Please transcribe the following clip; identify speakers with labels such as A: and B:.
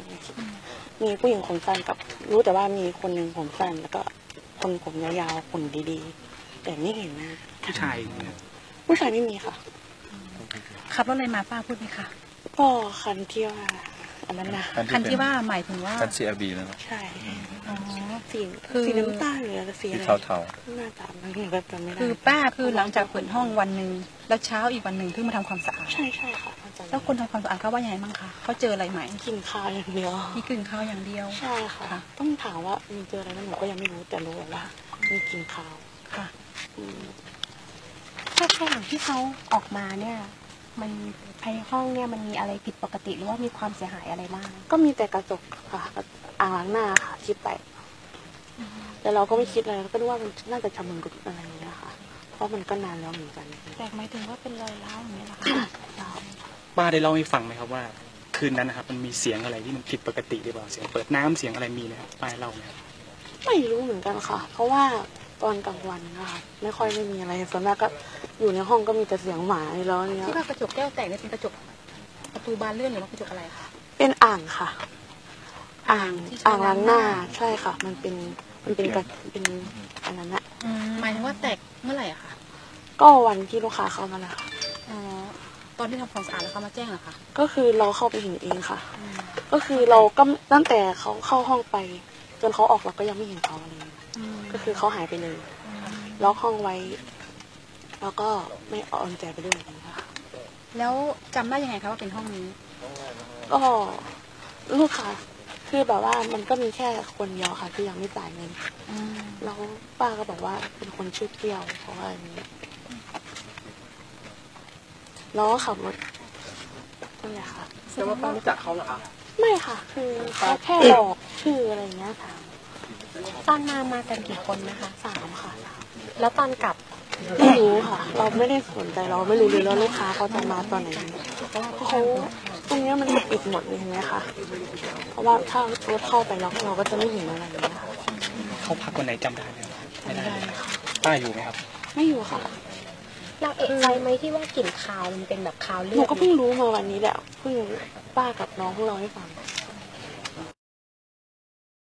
A: มีผู้หญิงผมสั้นกับรู้แต่ว่ามีคนหนึ่งผมสั้นแล้วก็คนผมยาวๆคนดีๆแต่ไม่เห็นหน้าผู้ชายไม่มีค่ะ
B: ขับรถอะไรมาป้าพูดไหมคะ
A: ก็คันที่ว่าอันนั้นนะ
B: คันที่ว่าหมายถึงว่า
C: คัน CRV แล้ว
A: ใช่
B: สี
A: น้ำตาลหรือสีอะไร
C: เทา
A: หน้าตามันก็จำไม่ได้
B: คือป้าคือหลังจากเปิดห้องวันหนึ่งแล้วเช้าอีกวันหนึ่งเพิ่งมาทำความสะอาด
A: ใช่ค่ะ
B: แล้วคนทำความสะอาดเขาว่ายังไงบ้างคะเขาเจออะไรไหม
A: กินข้าวอย่างเดียว
B: มีกลิ่นข้าวอย่างเดียว
A: ใช่ค่ะต้องถามว่ามีเจออะไรไหมหนูก็ยังไม่รู้แต่รู้ว่ามีกินข้าว
B: ค่ะ
D: ถ้าระหว่างที่เขาออกมาเนี่ยมันภายในห้องเนี่ยมันมีอะไรผิดปกติหรือว่ามีความเสียหายอะไรบ้าง
A: ก็มีแต่กระจกค่ะอ่างล้างหน้าค่ะที่แตกแต่เราก็ไม่คิดอะไรก็นึกว่ามันน่าจะชำรุดอะไรอย่างเงี้ยค่ะเพราะมันก็นานแล้วเหมือนกัน
D: แตกหมายถึงว่าเป็นรอยร้าวอย่างเงี้ยหรอคะ
E: ป้าได้เล่าให้ฟังไหมครับว่าคืนนั้นนะครับมันมีเสียงอะไรที่มันผิดปกติหรือเปล่าเสียงเปิดน้ำเสียงอะไรมีไหมครับป้าเล่าไหมครับ
A: ไม่รู้เหมือนกันค่ะเพราะว่าตอนกลางวันนะคะไม่ค่อยไม่มีอะไรส่วนมากก็อยู่ในห้องก็มีแต่เสียงหมาแล้วเนี่ย
B: ที่ว่ากระจกแก้วแตกเนี่ยเป็นกระจกประตูบานเลื่อนหรือว่ากระจกอะไรคะ
A: เป็นอ่างค่ะอ่างล้างหน้าใช่ค่ะมันเป็นอันนั้นอะ
B: หมายถึงว่าแตกเมื่อไหร่อะคะ
A: ก็วันที่ลูกค้าเข้ามาแล้วค่ะ
B: ตอนที่ทำความสะอาดแล้วเขามาแจ้งเหรอคะ
A: ก็คือเราเข้าไปเห็นเองค่ะก็คือเราก็ตั้งแต่เขาเข้าห้องไปจนเขาออกเราก็ยังไม่เห็นเขาเลยก็คือเขาหายไปเลยล็อกห้องไว้แล้วก็ไม่เอากุญแจไปด้วยนะคะ
B: แล้วจำได้ยังไงคะว่าเป็นห้องนี้
A: ก็ลูกค้าคือแบบว่ามันก็มีแค่คนเดียวค่ะที่ยังไม่จ่ายเงินแล้วป้าก็บอกว่าเป็นคนชื่อเที่ยวเพราะว่าอย่างนี้แล้วก็ขับรถนั่นแหละค่ะ
E: แต่ว่าป้ารู้จักเขาเหรอคะ
A: ไม่ค่ะคือเขาแค่บอกชื่ออะไรเงี้ยค่ะ
D: ตอนมากันกี่คนนะคะ
A: 3ค่ะ
D: แล้วตอนกลับ
A: ไม่รู้ค่ะเราไม่ได้สนใจเราไม่รู้เลยว่าลูกค้าเขาจะมาตอนไหนเพราะว่าเขาตรงนี้มันปิดหมดเลยใช่ไหมคะเพราะว่าถ้ารถเข้าไปแล้วเราก็จะไม่เห็นอะไรอย่างเงี้ยค่ะ
E: เขาพักวันไหนจำได้ไหมไม่ได้ป้าอยู่ไหมครับ
A: ไม่อยู่ค่ะ
D: เราเอกใจไหมที่ว่ากลิ่นคาวมันเป็นแบบคาวเลือด
A: หนูก็เพิ่งรู้มาวันนี้แหละเพิ่งป้ากับน้องพวกเราให้ฟัง